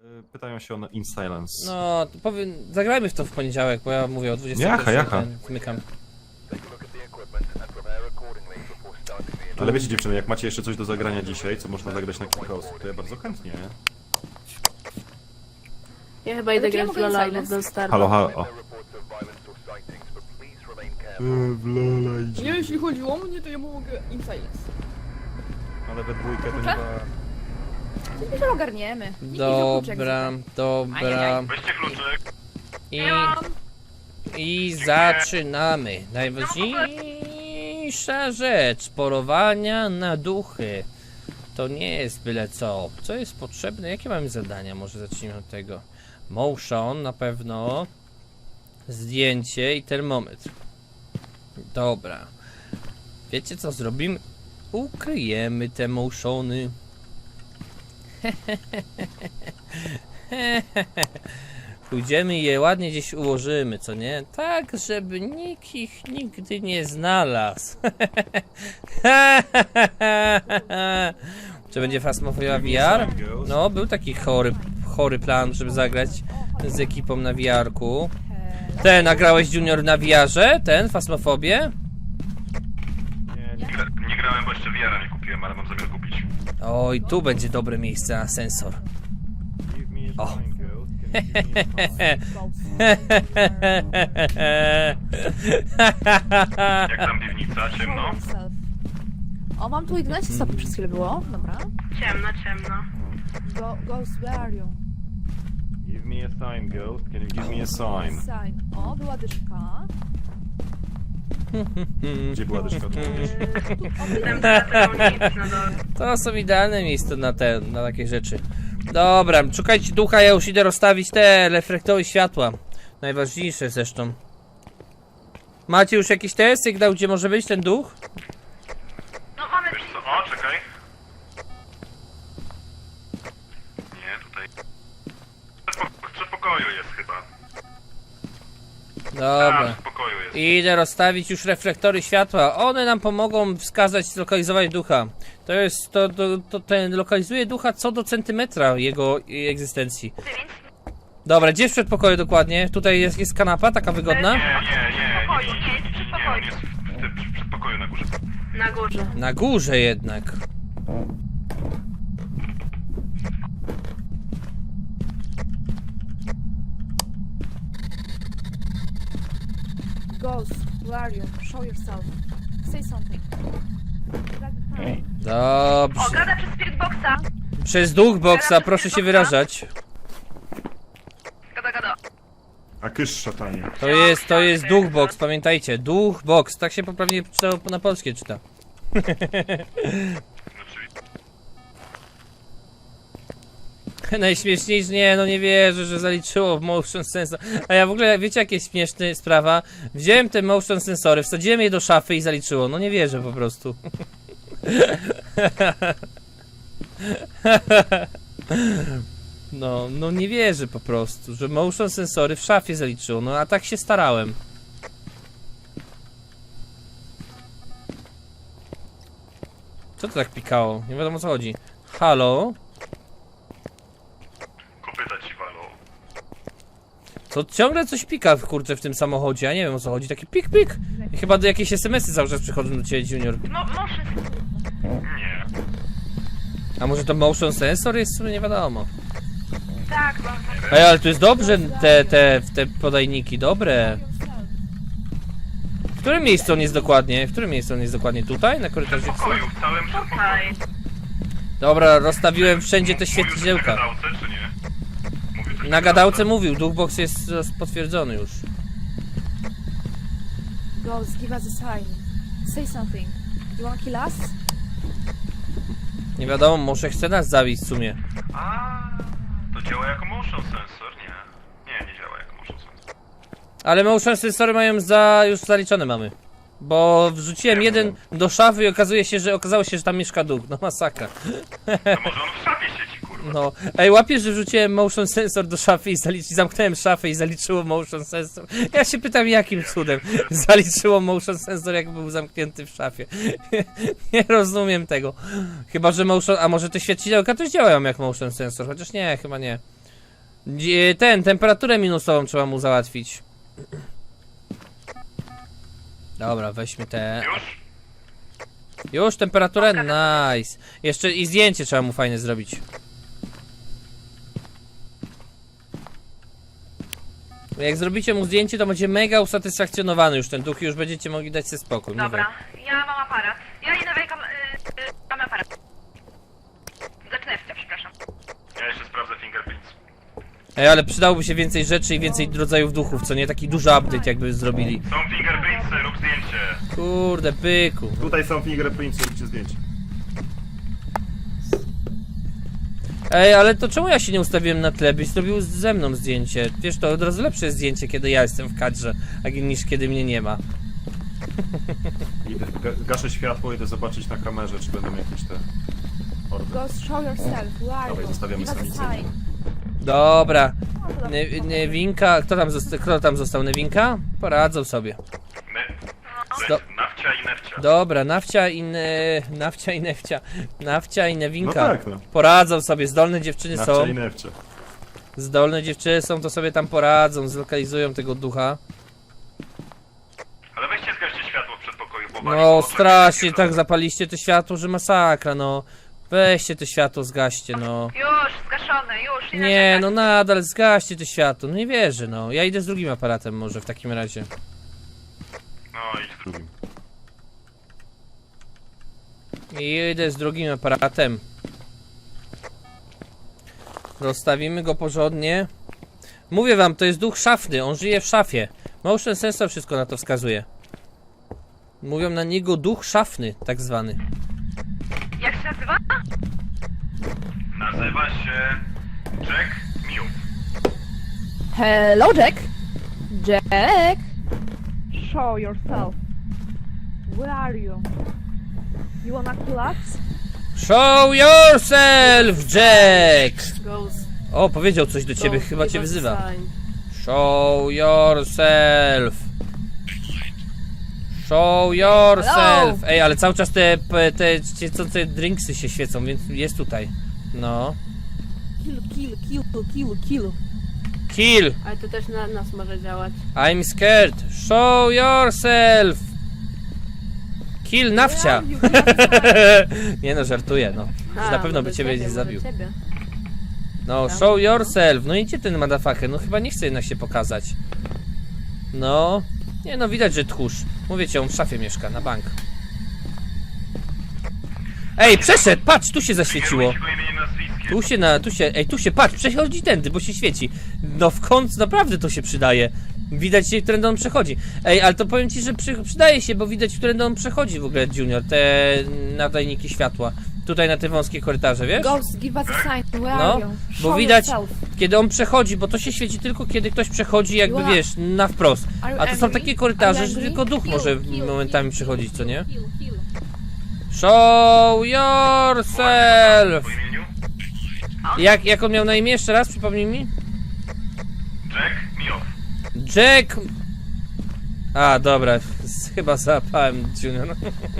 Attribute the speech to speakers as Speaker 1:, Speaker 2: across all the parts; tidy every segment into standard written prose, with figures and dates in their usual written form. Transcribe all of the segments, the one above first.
Speaker 1: Pytają się o In Silence.
Speaker 2: No, to powiem, zagrajmy w to w poniedziałek, bo ja mówię o 20.
Speaker 1: Jacha.
Speaker 2: Zmykam.
Speaker 1: Ale wiecie dziewczyny, jak macie jeszcze coś do zagrania dzisiaj, co można zagrać na kilka osób, to ja bardzo chętnie.
Speaker 3: Ja chyba idę grać w Lola albo w Don't Starve.
Speaker 1: Halo. W Lola idzie.
Speaker 4: Nie, jeśli chodzi o mnie, to ja mogę In Silence.
Speaker 1: Ale we dwójkę to nie ma...
Speaker 4: Myślę, że ogarniemy. Nikt nie wziął kluczek
Speaker 2: Dobra.
Speaker 5: Weźcie kluczyk.
Speaker 2: I zaczynamy. Najważniejsza rzecz polowania na duchy. To nie jest byle co. Co jest potrzebne? Jakie mamy zadania? Może zacznijmy od tego. Motion na pewno. Zdjęcie i termometr. Dobra. Wiecie co zrobimy? Ukryjemy te motiony. Pójdziemy i je ładnie gdzieś ułożymy, co nie? Tak, żeby nikt ich nigdy nie znalazł. Czy będzie Phasmophobia VR? No, był taki chory plan, żeby zagrać z ekipą na VR-ku. Ten, nagrałeś Junior na VR-ze? Ten, Phasmophobię?
Speaker 5: Nie grałem, bo jeszcze VR-a nie kupiłem, ale mam zamiar kupić.
Speaker 2: Oj, tu będzie dobre miejsce na sensor. O.
Speaker 5: Jak tam piwnica, ciemno?
Speaker 4: O, mam tu 11 stopni przez chwilę było. Dobra.
Speaker 3: Ciemno.
Speaker 4: Ghost, where are you?
Speaker 1: Give me a sign, Ghost. Can you give me a sign?
Speaker 4: Sign. O, była dyszka.
Speaker 1: Gdzie była dyszka?
Speaker 2: To są idealne miejsca na takie rzeczy. Dobra, szukajcie ducha, ja już idę rozstawić te reflektory światła. Najważniejsze zresztą. Macie już jakiś sygnał, gdzie może być ten duch?
Speaker 5: Wiesz co? O, czekaj. Nie, tutaj. W przedpokoju jest chyba.
Speaker 2: Dobra.
Speaker 5: W pokoju jest.
Speaker 2: Idę rozstawić już reflektory światła. One nam pomogą wskazać, zlokalizować ducha. To jest, ten lokalizuje ducha co do centymetra jego egzystencji. Dobra, gdzie w przedpokoju dokładnie? Tutaj jest kanapa, taka wygodna?
Speaker 5: Nie, on jest w przedpokoju na górze.
Speaker 3: Na górze.
Speaker 2: Na górze jednak.
Speaker 4: Ghost, where are you? Show yourself. Say something.
Speaker 2: Dobrze.
Speaker 3: Gada przez Spiritboxa.
Speaker 2: Przez duch boxa proszę się wyrażać.
Speaker 3: Gada.
Speaker 1: A kysz szatanie.
Speaker 2: To jest duch box, pamiętajcie. Duch box, tak się poprawnie na polskie czyta. Najśmieszniejsze, nie, no nie wierzę, że zaliczyło motion sensor. A ja w ogóle, wiecie jakie jest śmieszna sprawa? Wziąłem te motion sensory, wsadziłem je do szafy i zaliczyło. No nie wierzę po prostu. No nie wierzę po prostu, że motion sensory w szafie zaliczyło. No a tak się starałem. Co to tak pikało? Nie wiadomo o co chodzi. Halo?
Speaker 5: Kopyta ci walą.
Speaker 2: Co ciągle coś pika kurczę w tym samochodzie, ja nie wiem o co chodzi, taki pik pik. I chyba do jakieś SMS-y cały czas przychodzą do ciebie, Junior.
Speaker 5: Nie.
Speaker 2: A może to motion sensor jest? W sumie nie wiadomo.
Speaker 3: Tak,
Speaker 2: Ej, ale to jest dobrze te podajniki, dobre. W którym miejscu on jest dokładnie? W którym miejscu on jest dokładnie? Tutaj? Na
Speaker 5: W
Speaker 2: korytarzu?
Speaker 5: przedpokoju, w całym przedpokoju.
Speaker 2: Dobra, rozstawiłem wszędzie te świecidełka.
Speaker 5: Mówił coś na gadałce, czy nie? Mówił coś
Speaker 2: Na gadałce mówił, duchbox jest potwierdzony już.
Speaker 4: Ghost, give us a sign. Say something. You wanna kill us?
Speaker 2: Nie wiadomo, może chce nas zabić w sumie.
Speaker 5: To działa jako motion sensor? Nie działa jako motion sensor.
Speaker 2: Ale motion sensory mają już zaliczone mamy. Bo wrzuciłem jeden do szafy i okazało się, że tam mieszka duch. No masakra.
Speaker 5: To może on w szafie siedzi, kurwa.
Speaker 2: No. Ej, łapiesz, że wrzuciłem motion sensor do szafy i zamknąłem szafę i zaliczyło motion sensor. Ja się pytam, jakim cudem zaliczyło motion sensor, jak był zamknięty w szafie. Nie rozumiem tego. Chyba, że a może te świecidełka też działają jak motion sensor, chociaż nie, chyba nie. Temperaturę minusową trzeba mu załatwić. Dobra, weźmy te...
Speaker 5: Już?
Speaker 2: Już temperaturę? Nice. Jeszcze i zdjęcie trzeba mu fajne zrobić. Jak zrobicie mu zdjęcie, to będzie mega usatysfakcjonowany już ten duch i już będziecie mogli dać sobie spokój. Mówię.
Speaker 3: Dobra, ja mam aparat. Ja idę wejkam... mam aparat. Zacznę, przepraszam.
Speaker 5: Ja jeszcze sprawdzę fingerprints.
Speaker 2: Ej, ale przydałoby się więcej rzeczy i więcej rodzajów duchów, co nie? Taki duży update jakby zrobili.
Speaker 5: Są fingerprintsy, rób zdjęcie.
Speaker 2: Kurde, byku.
Speaker 1: Tutaj są fingerprints, róbcie zdjęcie.
Speaker 2: Ej, ale to czemu ja się nie ustawiłem na tle, byś zrobił ze mną zdjęcie? Wiesz, to od razu lepsze jest zdjęcie, kiedy ja jestem w kadrze, niż kiedy mnie nie ma.
Speaker 1: Idę, gaszę światło, idę zobaczyć na kamerze, czy będą jakieś te... orby.
Speaker 4: Ghost, show yourself. Where are
Speaker 1: Dawaj,
Speaker 4: you?
Speaker 1: zostawiamy
Speaker 4: Give us a
Speaker 1: samicę.
Speaker 4: sign.
Speaker 2: Dobra.
Speaker 4: No, to dobrze.
Speaker 2: Newinka, kto tam został? Newinka? Poradzą sobie.
Speaker 5: Nawcia i nefcia.
Speaker 2: Dobra, Nawcia i Nefcia. Nawcia i
Speaker 1: No
Speaker 2: Newinka.
Speaker 1: tak, no.
Speaker 2: Poradzą sobie, zdolne dziewczyny są.
Speaker 1: Nawcia i nefcia.
Speaker 2: Zdolne dziewczyny są, to sobie tam poradzą, zlokalizują tego ducha.
Speaker 5: Ale weźcie zgaście światło w przedpokoju, bo
Speaker 2: No strasznie, tak zapaliście to światło, że masakra, no. Weźcie to światło, zgaście, no.
Speaker 3: Już, zgaszone, już.
Speaker 2: Nie, no nadal zgaście to światło, no nie wierzę, no. Ja idę z drugim aparatem może w takim razie.
Speaker 5: No i
Speaker 1: Drugim.
Speaker 2: Idę z drugim aparatem. Rozstawimy go porządnie. Mówię wam, to jest duch szafny, on żyje w szafie. Motion sensor wszystko na to wskazuje. Mówią na niego duch szafny, tak zwany.
Speaker 3: Jak się nazywa?
Speaker 5: nazywa się Jack Mew.
Speaker 4: Hello, Jack. Jack. Show yourself. Where are you? You wanna collapse?
Speaker 2: Show yourself, Jack!
Speaker 6: Ghost.
Speaker 2: O, powiedział coś do ciebie,
Speaker 6: Ghost,
Speaker 2: chyba
Speaker 6: give
Speaker 2: cię
Speaker 6: us a
Speaker 2: wyzywa.
Speaker 6: sign.
Speaker 2: Show yourself. Show yourself. Ej, ale cały czas te świecące drinksy się świecą, więc jest tutaj. No.
Speaker 6: Kill.
Speaker 2: Kill.
Speaker 6: Ale to też na nas może działać.
Speaker 2: I'm scared. Show yourself. Kill Nawcia. Nie no, żartuję, no. Już na pewno by ciebie nie zabił. No, show yourself. No idzie ten motherfucker, no chyba nie chce jednak się pokazać. No. Nie no, widać, że tchórz. Mówię ci, on w szafie mieszka, na bank. Ej, przeszedł, patrz, tu się zaświeciło.
Speaker 5: Kierujcie go imieniem nazwiskiem.
Speaker 2: Tu się, patrz, przechodzi tędy, bo się świeci. No w końcu naprawdę to się przydaje. Widać, którędy on przechodzi. Ej, ale to powiem ci, że przydaje się, bo widać, którędy on przechodzi w ogóle, Junior, te nadajniki światła. Tutaj na te wąskie korytarze, wiesz?
Speaker 4: Ghost, give us a sign. Where
Speaker 2: No,
Speaker 4: are you?
Speaker 2: bo
Speaker 4: Show
Speaker 2: widać,
Speaker 4: yourself.
Speaker 2: kiedy on przechodzi, bo to się świeci tylko, kiedy ktoś przechodzi jakby,
Speaker 4: You are-
Speaker 2: wiesz, na wprost.
Speaker 4: Are you
Speaker 2: A to są
Speaker 4: angry?
Speaker 2: takie korytarze,
Speaker 4: Are you
Speaker 2: że
Speaker 4: angry?
Speaker 2: tylko duch może
Speaker 6: Kill,
Speaker 2: momentami
Speaker 6: kill,
Speaker 2: przechodzić, co nie?
Speaker 6: Kill.
Speaker 2: Show yourself!
Speaker 5: Po imieniu?
Speaker 2: Jak on miał na imię? Jeszcze raz, przypomnij mi?
Speaker 5: Jack Mew.
Speaker 2: Jack... A, dobra, chyba załapałem Junior.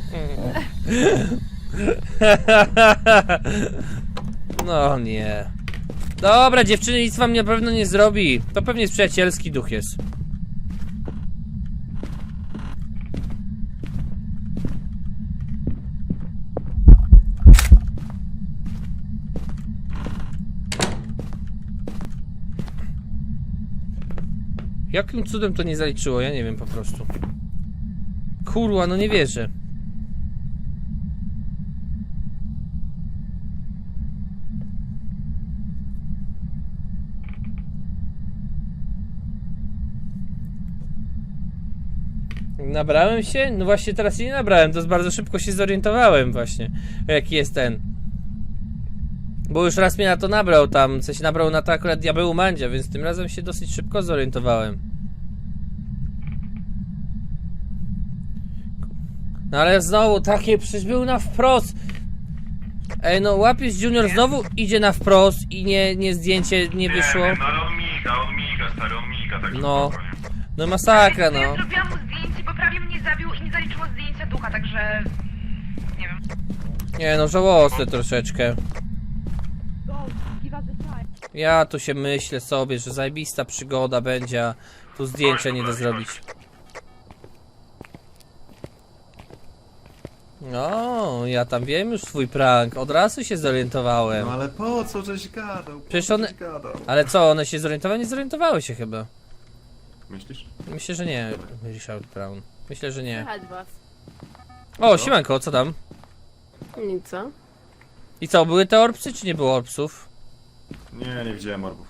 Speaker 2: No nie. Dobra, dziewczyny, nic wam na pewno nie zrobi. To pewnie jest przyjacielski duch jest. Jakim cudem to nie zaliczyło? Ja nie wiem po prostu. Kurwa, no nie wierzę. Nabrałem się? No właśnie teraz się nie nabrałem, to bardzo szybko się zorientowałem właśnie, jaki jest ten. Bo już raz mnie na to nabrał tam, co się nabrał na to akurat diabeł Mandzia, więc tym razem się dosyć szybko zorientowałem. No ale znowu takie, przecież był na wprost. Ej, no łapiesz Junior, znowu idzie na wprost i nie zdjęcie nie wyszło.
Speaker 5: Nie, no ale on miga, stary, on miga, tak
Speaker 2: No.
Speaker 5: spokojnie.
Speaker 2: No masakra, no.
Speaker 3: Ja zrobiłam mu zdjęcie, bo prawie mnie zabił i nie zaliczyło zdjęcia ducha, także... Nie wiem.
Speaker 2: Nie no, żałosne troszeczkę.
Speaker 4: Ghost, give us a sign.
Speaker 2: Ja tu się myślę sobie, że zajebista przygoda będzie, a tu zdjęcia nie da zrobić. No, ja tam wiem już twój prank, od razu się zorientowałem.
Speaker 1: No ale po co żeś gadał? Po
Speaker 2: Przecież
Speaker 1: co
Speaker 2: one-
Speaker 1: żeś gadał?
Speaker 2: Ale co, one się zorientowały? Nie zorientowały się chyba.
Speaker 1: Myślisz?
Speaker 2: Myślę, że nie, Richard Brown. Myślę, że nie.
Speaker 6: Słychać was.
Speaker 2: O, siemanko, co tam?
Speaker 6: Nic, co?
Speaker 2: I co, były te orpsy, czy nie było orpsów?
Speaker 1: Nie widziałem orbów.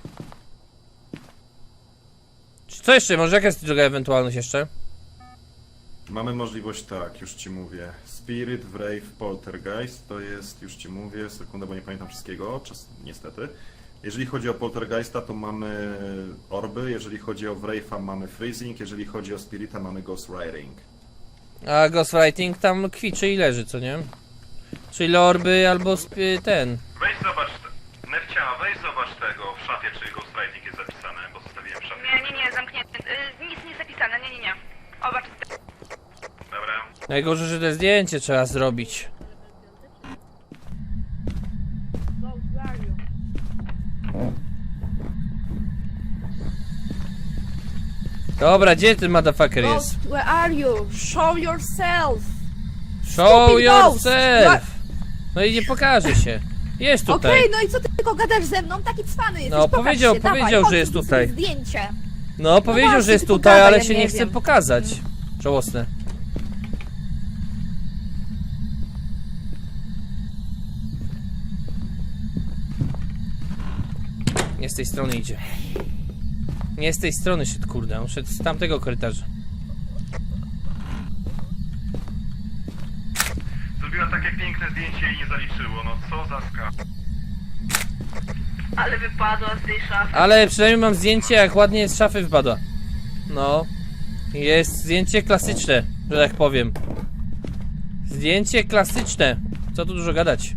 Speaker 2: Czy co jeszcze? Może jaka jest druga ewentualność jeszcze?
Speaker 1: Mamy możliwość tak, już ci mówię. Spirit, Wraith, Poltergeist to jest, już ci mówię, sekundę, bo nie pamiętam wszystkiego, niestety. Jeżeli chodzi o Poltergeista, to mamy orby, jeżeli chodzi o Wraitha mamy Freezing, jeżeli chodzi o Spirita mamy Ghostwriting.
Speaker 2: A Ghostwriting tam kwiczy i leży, co nie? Czyli orby albo ten.
Speaker 5: Weź zobacz, Nefcia, weź zobacz tego w szafie, czy Ghostwriting jest zapisane, bo zostawiłem w szafie.
Speaker 3: Nie, zamknięty. Nic nie zapisane, nie. Oba czyste.
Speaker 5: Dobra.
Speaker 2: Najgorzej, że to zdjęcie trzeba zrobić. Dobra, gdzie ten motherfucker jest?
Speaker 4: Ghost, where are you? Show yourself!
Speaker 2: Show
Speaker 4: Stupid ghost!
Speaker 2: yourself! No i nie pokaże się. Jest
Speaker 4: Okej,
Speaker 2: tutaj.
Speaker 4: no i co ty tylko gadasz ze mną? Taki cwany jesteś,
Speaker 2: No,
Speaker 4: pokaż
Speaker 2: powiedział-
Speaker 4: się, dawaj,
Speaker 2: powiedział,
Speaker 4: chodź,
Speaker 2: że jest
Speaker 4: zrób
Speaker 2: tutaj.
Speaker 4: sobie zdjęcie.
Speaker 2: No, powiedział,
Speaker 4: właśnie,
Speaker 2: że jest
Speaker 4: ty
Speaker 2: tutaj,
Speaker 4: pogadaj,
Speaker 2: ale
Speaker 4: ja
Speaker 2: się
Speaker 4: nie
Speaker 2: nie chce
Speaker 4: wiem.
Speaker 2: pokazać. Żałosne. Nie z tej strony idzie. Nie z tej strony szedł, kurde. On szedł z tamtego korytarza.
Speaker 5: Zrobiła takie piękne zdjęcie i nie zaliczyło, no co za ska.
Speaker 3: Ale wypadła z tej szafy.
Speaker 2: Ale przynajmniej mam zdjęcie, jak ładnie z szafy wpadła. No. Jest zdjęcie klasyczne, że tak powiem. Zdjęcie klasyczne. Co tu dużo gadać.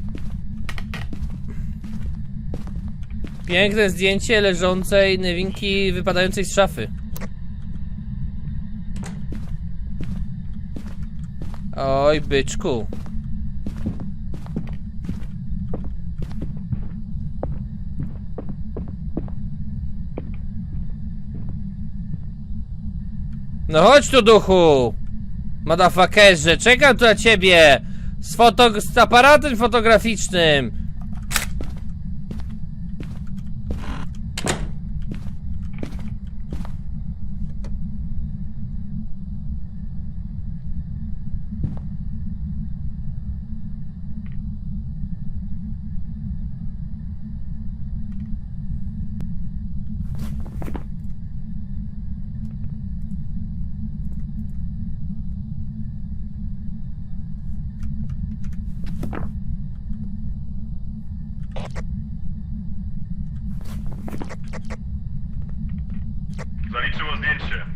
Speaker 2: Piękne zdjęcie leżącej nowinki wypadającej z szafy. Oj, byczku. No chodź tu, duchu! Motherfuckerze, czekam tu na ciebie! Z aparatem fotograficznym!
Speaker 5: Zaliczyło zdjęcie.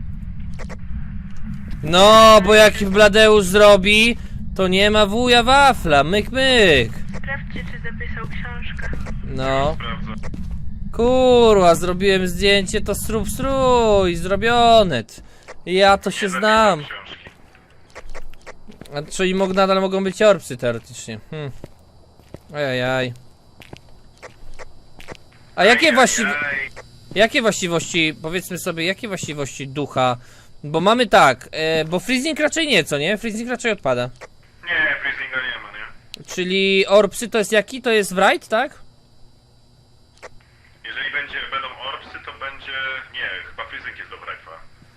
Speaker 2: No, bo jak Bladeusz zrobi, to nie ma wuja wafla, myk myk.
Speaker 3: Sprawdźcie, czy zapisał książkę.
Speaker 2: No,
Speaker 5: Sprawdzę.
Speaker 2: kurwa, zrobiłem zdjęcie, to strój, zrobione. Ja to się
Speaker 5: Nie
Speaker 2: znam.
Speaker 5: zapisał książki.
Speaker 2: A czyli nadal mogą być orpsy teoretycznie. Ajajaj. A jakie właściwości, powiedzmy sobie, jakie właściwości ducha? Bo mamy tak, bo freezing raczej nie, co nie? Freezing raczej odpada.
Speaker 5: Nie, freezinga nie ma, nie?
Speaker 2: Czyli orpsy to jest jaki? To jest wright, tak?
Speaker 5: Jeżeli będą orbsy, to będzie... Nie, chyba freezing jest do Wraitha.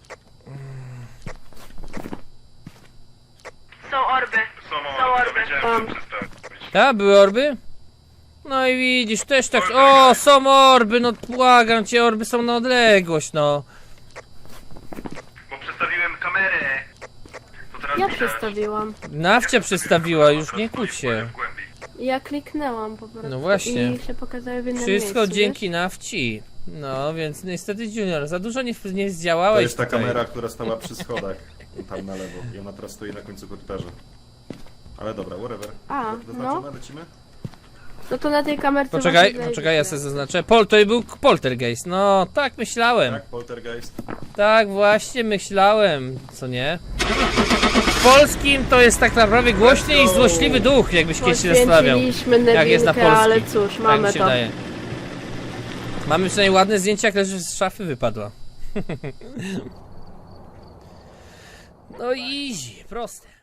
Speaker 3: Są orby.
Speaker 5: Są
Speaker 3: Są
Speaker 5: orbsy,
Speaker 3: orby.
Speaker 5: dowiedziałem się przedstawić.
Speaker 2: Tak, były orby? No i widzisz, też tak. O, są orby, no błagam cię, orby są na odległość, no.
Speaker 5: Bo przestawiłem kamerę. To teraz
Speaker 6: Ja
Speaker 5: widać.
Speaker 6: przestawiłam.
Speaker 2: Nawcia przedstawiła, już nie kłóć się.
Speaker 5: W głębi.
Speaker 6: Ja kliknęłam po prostu.
Speaker 2: No właśnie.
Speaker 6: I się pokazały w innym
Speaker 2: Wszystko
Speaker 6: miejscu,
Speaker 2: dzięki nawci. No, więc niestety Junior, za dużo nie
Speaker 1: To
Speaker 2: zdziałałeś
Speaker 1: jest ta
Speaker 2: tutaj.
Speaker 1: kamera, która stała przy schodach, tam na lewo. I ona teraz stoi na końcu korytarza. Ale dobra, whatever.
Speaker 6: A,
Speaker 1: Zaznaczone, lecimy?
Speaker 6: No to na tej kamerce
Speaker 2: Poczekaj,
Speaker 6: właśnie
Speaker 2: poczekaj, ja
Speaker 6: zajebiście.
Speaker 2: sobie zaznaczę. To był poltergeist, no, tak myślałem.
Speaker 1: Tak, poltergeist.
Speaker 2: Tak właśnie myślałem, co nie? W polskim to jest tak naprawdę głośny i złośliwy duch, jakbyś kiedyś się zastanawiał.
Speaker 6: Poświęciliśmy
Speaker 2: Jak jest na
Speaker 6: Newinkę, ale
Speaker 2: polski.
Speaker 6: cóż,
Speaker 2: Tak
Speaker 6: mamy
Speaker 2: mi się
Speaker 6: to.
Speaker 2: wydaje. Mamy przynajmniej ładne zdjęcie, jak leży z szafy wypadła. No easy, proste.